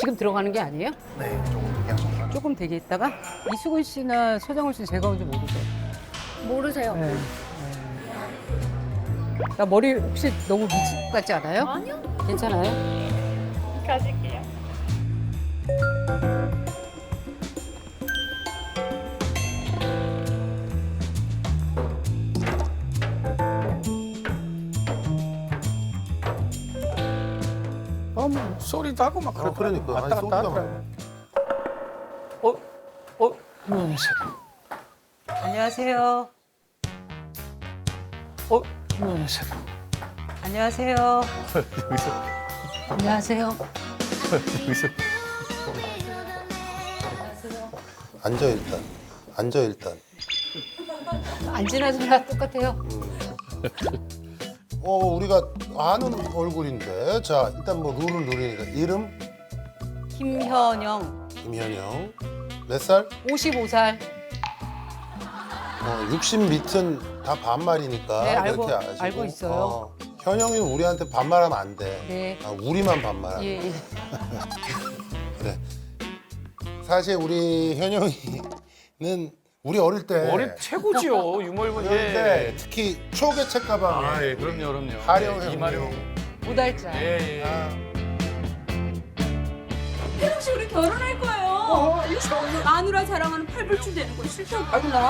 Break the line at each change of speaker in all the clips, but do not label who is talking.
지금 들어가는 게 아니에요?
네, 조금 그냥
조금 되게 있다가 이수근 씨나 서장훈 씨는 제가 뭔지 모르죠.
모르세요?
네. 나 머리 혹시 너무 미친 것 같지 않아요?
아니요.
괜찮아요?
가질게요.
어머.
소리도 하고 막
그러니까.
왔다
아니,
갔다
소리가
하더라고. 안녕하세요.
안녕하세요.
안녕하세요.
안녕하세요. 안녕하세요.
앉아 일단. 앉아 일단.
안 지나서나 똑같아요.
우리가 아는 얼굴인데. 자, 일단 뭐 룰을 누리니까 이름
김현영,
김현영. 몇 살?
55살.
60 밑은 다 반말이니까
네,
그렇게 아시고.
알고 있어요.
현영이 우리한테 반말하면 안 돼.
네.
우리만 반말하는.
예, 예.
그래. 사실 우리 현영이는 우리 어릴 때
머리 최고지요. 유머일본.
어릴 때 특히 초계책 가방에
아, 예, 그럼요.
하령
예, 이마령.
오달자.
예, 예.
혜령 씨 우리 결혼할 거예요. 마누라 자랑하는 팔불출 되는 거 싫다고.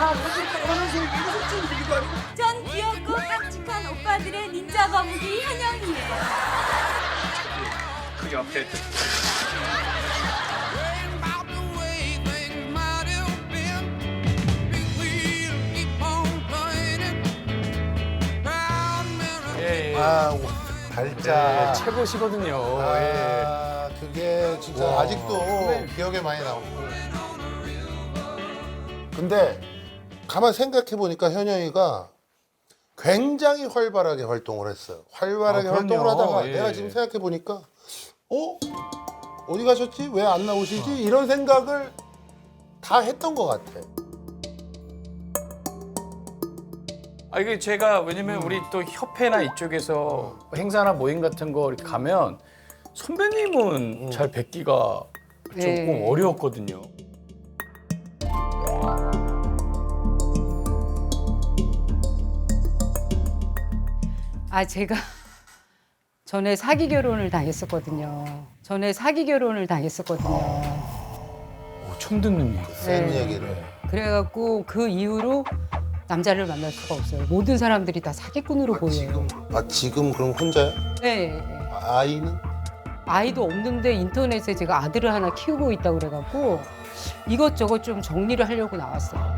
전 귀엽고 깜찍한 오빠들의 닌자 거북이 현영이에요.
그 옆에 예, 예.
달자.
예, 최고시거든요. 예.
그게 진짜
와.
아직도 기억에 많이 남고. 근데 가만 생각해 보니까 현영이가 굉장히 활발하게 활동을 했어요. 활발하게
아, 그럼요.
활동을 하다가
예.
내가 지금 생각해 보니까 어디 가셨지? 왜 안 나오시지? 이런 생각을 다 했던 것 같아.
아 이게 제가 왜냐면 우리 또 협회나 이쪽에서 행사나 모임 같은 거 이렇게 가면 선배님은 잘 뵙기가 조금
네.
어려웠거든요.
아, 제가 전에 사기 결혼을 당했었거든요.
처음 듣는 얘기.
센
네.
얘기를.
그래갖고 그 이후로 남자를 만날 수가 없어요. 모든 사람들이 다 사기꾼으로 보여요.
지금 그럼 혼자야?
네.
아이는?
아이도 없는데 인터넷에 제가 아들을 하나 키우고 있다고 그래갖고 이것저것 좀 정리를 하려고 나왔어요.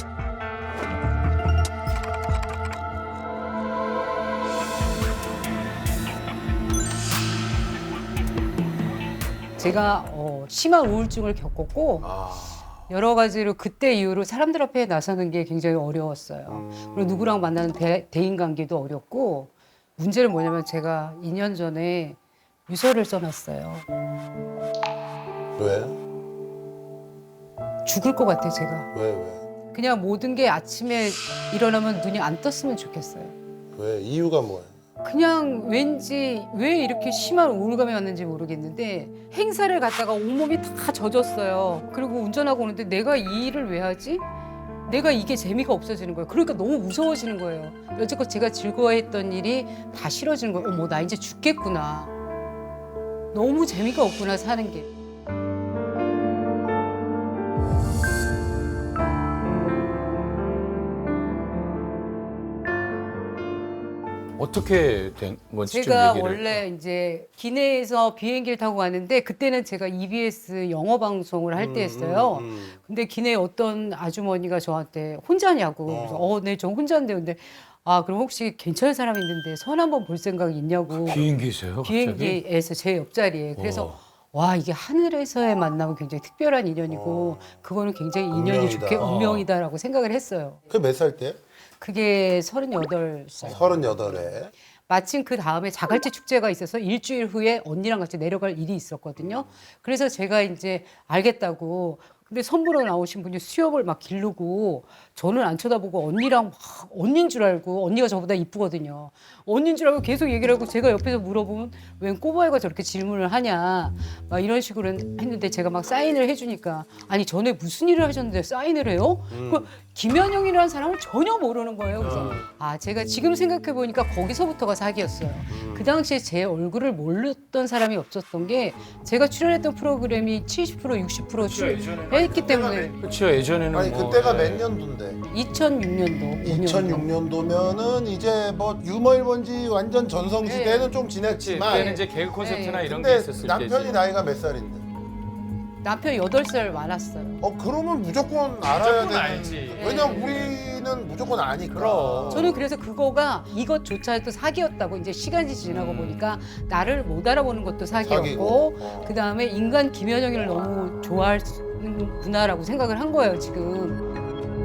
제가 심한 우울증을 겪었고 여러 가지로 그때 이후로 사람들 앞에 나서는 게 굉장히 어려웠어요. 그리고 누구랑 만나는 대인관계도 어렵고 문제는 뭐냐면 제가 2년 전에 유서를 써놨어요.
왜?
죽을 것 같아 제가.
왜?
그냥 모든 게 아침에 일어나면 눈이 안 떴으면 좋겠어요.
왜? 이유가 뭐야?
그냥 왠지 왜 이렇게 심한 우울감이 왔는지 모르겠는데 행사를 갔다가 온몸이 다 젖었어요. 그리고 운전하고 오는데 내가 이 일을 왜 하지? 내가 이게 재미가 없어지는 거예요. 그러니까 너무 무서워지는 거예요. 여태껏 제가 즐거워했던 일이 다 싫어지는 거예요. 어머, 나 이제 죽겠구나. 너무 재미가 없구나, 사는 게.
어떻게 된 건지 좀
제가
얘기를.
원래 이제 기내에서 비행기를 타고 가는데 그때는 제가 EBS 영어 방송을 할 때였어요. 근데 기내에 어떤 아주머니가 저한테 혼자냐고. 그래서 네, 저 혼자인데 근데 그럼 혹시 괜찮은 사람 있는데 선 한번 볼 생각이 있냐고.
비행기에서요? 갑자기?
비행기에서 제 옆자리에. 그래서 와 이게 하늘에서의 만남은 굉장히 특별한 인연이고 그거는 굉장히 인연이
운명이다.
좋게 운명이다라고 생각을 했어요.
그게 몇 살 때?
그게 38살.
38에.
마침 그 다음에 자갈치 축제가 있어서 일주일 후에 언니랑 같이 내려갈 일이 있었거든요. 그래서 제가 이제 알겠다고 근데 선보러 나오신 분이 수염을 막 기르고 저는 안 쳐다보고 언니랑 막 언니인 줄 알고 언니가 저보다 이쁘거든요. 언니인 줄 알고 계속 얘기를 하고 제가 옆에서 물어보면 웬 꼬바이가 저렇게 질문을 하냐 막 이런 식으로 했는데 제가 막 사인을 해주니까 아니 전에 무슨 일을 하셨는데 사인을 해요? 그 김현영이라는 사람을 전혀 모르는 거예요. 그래서 아 제가 지금 생각해 보니까 거기서부터가 사기였어요. 그 당시에 제 얼굴을 몰랐던 사람이 없었던 게 제가 출연했던 프로그램이 70% 60% 출연했기 때문에
그렇죠. 예전에는
아니
뭐,
그때가
예.
몇 년도인데?
2006년도
2006년도면은 이제 뭐 유머 1번지 완전 전성 시대는 좀
그치,
지났지만
그때는 이제 개그 콘서트나
네.
이런 게
근데
있었을
남편이
때지.
나이가 몇 살인데?
남편이 8살 많았어요.
그러면 무조건 알아야
무조건
되는.
알지.
왜냐면 우리는 무조건 아니까.
그럼.
저는 그래서 그거가 이것조차도 사기였다고 이제 시간이 지나고 보니까 나를 못 알아보는 것도 사기였고
사기고.
그다음에 인간 김현영이를 너무 좋아하는구나라고 생각을 한 거예요 지금.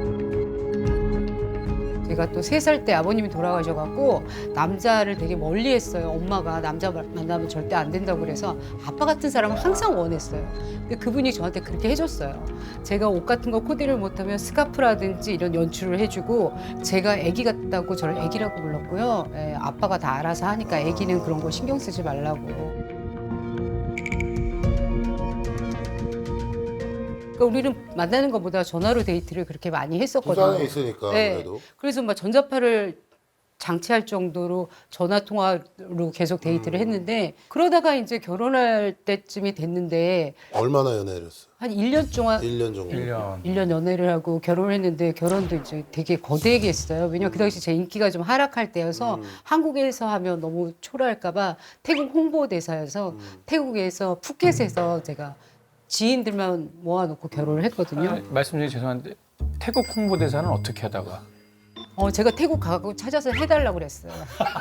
제가 또 3살 때 아버님이 돌아가셔갖고 남자를 되게 멀리했어요. 엄마가 남자 만나면 절대 안 된다고 그래서 아빠 같은 사람은 항상 원했어요. 근데 그분이 저한테 그렇게 해줬어요. 제가 옷 같은 거 코디를 못하면 스카프라든지 이런 연출을 해주고 제가 애기 같다고 저를 애기라고 불렀고요. 예, 아빠가 다 알아서 하니까 애기는 그런 거 신경 쓰지 말라고. 그러니까 우리는 만나는 것보다 전화로 데이트를 그렇게 많이 했었거든요.
부산에 있으니까
네.
그래도.
그래서 막 전자파를 장치할 정도로 전화 통화로 계속 데이트를 했는데 그러다가 이제 결혼할 때쯤이 됐는데
얼마나 연애를 했어?
한 1년 동안
1년 정도.
1년.
1년 연애를 하고 결혼을 했는데 결혼도 이제 되게 거대하게 했어요. 왜냐면 그 당시 제 인기가 좀 하락할 때여서 한국에서 하면 너무 초라할까봐 태국 홍보대사여서 태국에서 푸켓에서 제가 지인들만 모아놓고 결혼을 했거든요.
아, 말씀드리기 죄송한데 태국 홍보대사는 어떻게 하다가?
제가 태국 가고 찾아서 해달라고 그랬어요.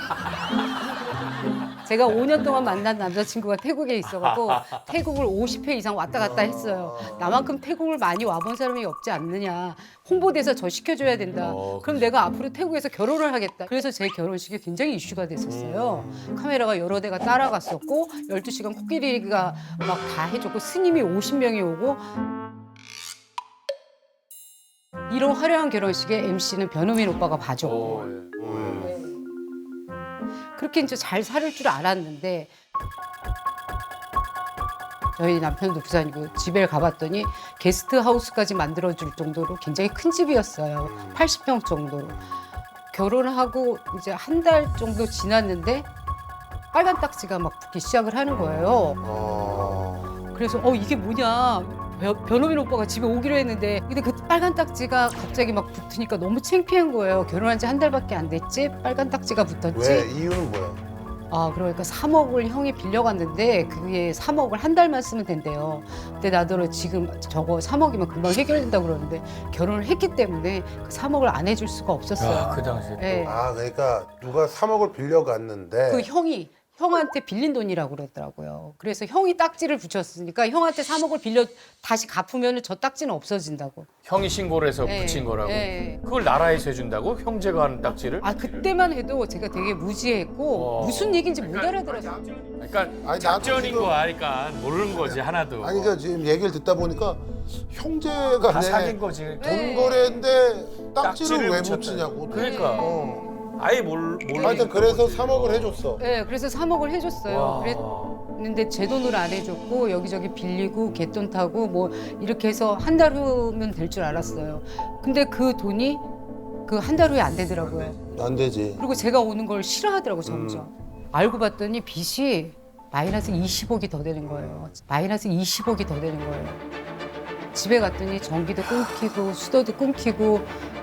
제가 5년 동안 만난 남자친구가 태국에 있어갖고 태국을 50회 이상 왔다 갔다 했어요. 나만큼 태국을 많이 와본 사람이 없지 않느냐. 홍보대사 저 시켜줘야 된다. 그럼 내가 앞으로 태국에서 결혼을 하겠다. 그래서 제 결혼식이 굉장히 이슈가 됐었어요. 카메라가 여러 대가 따라갔었고 12시간 코끼리가 막 다 해줬고 스님이 50명이 오고 이런 화려한 결혼식에 MC는 변호민 오빠가 봐줬고 그렇게 이제 잘 살을 줄 알았는데 저희 남편도 부산이고 집에 가봤더니 게스트 하우스까지 만들어줄 정도로 굉장히 큰 집이었어요. 80평 정도로. 결혼하고 이제 한 달 정도 지났는데 빨간 딱지가 막 붙기 시작을 하는 거예요. 그래서 이게 뭐냐. 변호민 오빠가 집에 오기로 했는데 근데 그 빨간 딱지가 갑자기 막 붙으니까 너무 창피한 거예요. 결혼한 지 한 달밖에 안 됐지? 빨간 딱지가 붙었지?
왜? 이유는 뭐야?
그러니까 3억을 형이 빌려갔는데 그게 3억을 한 달만 쓰면 된대요. 근데 나더러 지금 저거 3억이면 금방 해결된다고 그러는데 결혼을 했기 때문에 그 3억을 안 해줄 수가 없었어요.
그 당시에.
네.
그러니까 누가 3억을 빌려갔는데
그 형이 형한테 빌린 돈이라고 그러더라고요. 그래서 형이 딱지를 붙였으니까 형한테 3억을 빌려 다시 갚으면 저 딱지는 없어진다고.
형이 신고를 해서
네.
붙인 거라고.
네.
그걸 나라에서 해준다고? 형제가 하는 딱지를?
그때만 해도 제가 되게 무지했고 무슨 얘기인지 못 알아들었어요.
그러니까
아니,
작전인
나도
거 아니까 모르는 거지 하나도.
아니 그러니까 지금 얘기를 듣다 보니까 형제가
다 사귄 거지.
돈 거래인데 딱지를 왜
붙였다.
붙이냐고.
그러니까 아예 몰라.
하여튼 그래서 3억을 해줬어.
네, 그래서 3억을 해줬어요.
와.
그랬는데 제 돈을 안 해줬고 여기저기 빌리고 갯돈 타고 뭐 이렇게 해서 한 달 후면 될 줄 알았어요. 근데 그 돈이 그 한 달 후에 안 되더라고요.
안 되지.
그리고 제가 오는 걸 싫어하더라고 점점. 알고 봤더니 빚이 마이너스 20억이 더 되는 거예요. 마이너스 20억이 더 되는 거예요. 집에 갔더니 전기도 끊기고 수도도 끊기고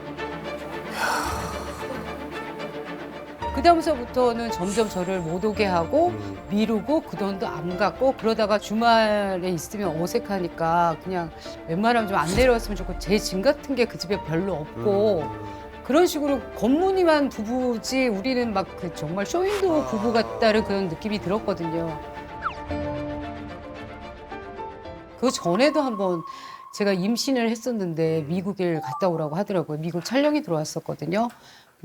그다음서부터는 점점 저를 못 오게 하고 미루고 그 돈도 안 갚고 그러다가 주말에 있으면 어색하니까 그냥 웬만하면 좀 안 내려왔으면 좋고 제 짐 같은 게 그 집에 별로 없고 그런 식으로 겉무늬만 부부지 우리는 막 그 정말 쇼윈도 부부 같다는 그런 느낌이 들었거든요. 그 전에도 한번 제가 임신을 했었는데 미국에 갔다 오라고 하더라고요. 미국 촬영이 들어왔었거든요.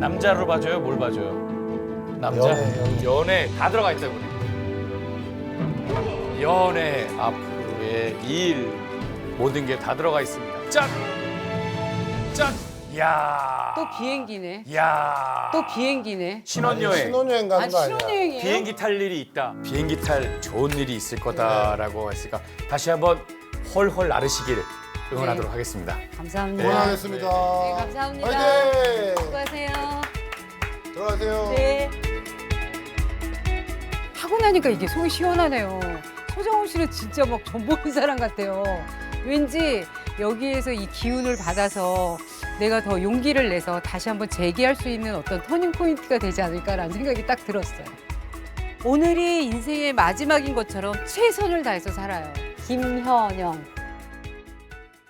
남자로 봐줘요? 뭘 봐줘요? 남자? 연애 다 들어가 있다 이번에. 연애, 앞으로의 일 모든 게 다 들어가 있습니다. 짠! 짠! 야.
또 비행기네.
야.
또 비행기네.
신혼여행.
신혼여행 가는
아니
거 아니야?
신혼여행이에요?
비행기 탈 일이 있다. 비행기 탈 좋은 일이 있을 거다라고 했으니까 다시 한번 헐헐 나르시길 응원하도록
네.
하겠습니다.
감사합니다.
응원하겠습니다.
네, 감사합니다.
화이팅!
수고하세요.
들어가세요.
네. 하고 나니까 이게 속이 시원하네요. 소정훈 씨는 진짜 막 전 보는 사람 같아요. 왠지 여기에서 이 기운을 받아서 내가 더 용기를 내서 다시 한번 재기할 수 있는 어떤 터닝 포인트가 되지 않을까라는 생각이 딱 들었어요. 오늘이 인생의 마지막인 것처럼 최선을 다해서 살아요. 김현영.